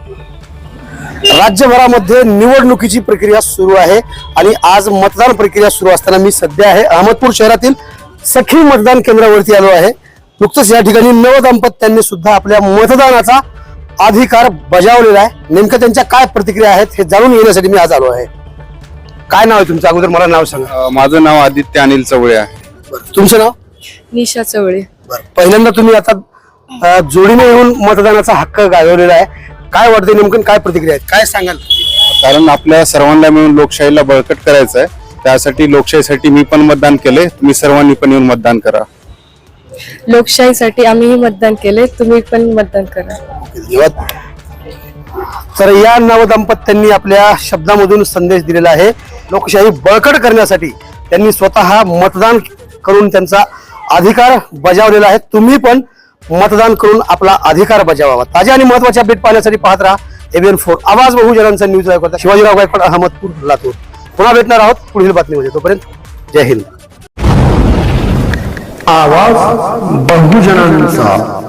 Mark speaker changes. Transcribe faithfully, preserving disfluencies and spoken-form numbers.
Speaker 1: राज्यभरामध्ये निवडणुकीची प्रक्रिया सुरू आहे आणि आज मतदान प्रक्रिया सुरू असताना मी सध्या आहे अहमदपूर शहरातील सखी मतदान केंद्रावरती आलो आहे। नुकतंच या ठिकाणी नवदंपत्यांनी सुद्धा आपल्या मतदानाचा अधिकार बजावलेला आहे। नेमकं त्यांच्या काय प्रतिक्रिया आहेत हे जाणून घेण्यासाठी मी आज आलो आहे। काय नाव आहे तुमचं? अगोदर मला नाव सांगा।
Speaker 2: माझं नाव आदित्य अनिल चवळे आहे।
Speaker 1: तुमचं नाव?
Speaker 3: निशा चवळे।
Speaker 1: पहिल्यांदा तुम्ही आता जोडीने येऊन मतदानाचा हक्क गाजवलेला आहे, काय वाटतं नेमकं, काय प्रतिक्रिया आहेत, काय सांगाल?
Speaker 2: कारण आपल्या सर्वांना मिळून लोकशाहीला बळकट करायचं आहे, त्यासाठी लोकशाहीसाठी मी पण मतदान केले, तुम्ही सर्वांनी पण येऊन मतदान करा।
Speaker 3: लोकशाहीसाठी आम्हीही मतदान केले, तुम्ही पण मतदान करा।
Speaker 1: तर या नवदंपत्यांनी आपल्या शब्दामधून संदेश दिलेला आहे। लोकशाही बळकट करण्यासाठी त्यांनी स्वतः मतदान करून त्यांचा अधिकार बजावलेला आहे। तुम्ही पण मतदान करून आपला अधिकार बजावावा। ताज्या आणि महत्त्वाच्या अपडेट पाहण्यासाठी पाहत राहा एबीएन फोर आवाज बहुजनांचा न्यूज करता शिवाजीराव गायकवाड, अहमदपूर, लातूर। पुन्हा भेटणार आहोत पुढील बातमीमध्ये, तोपर्यंत जय हिंद। आवाज बहुजनांचा।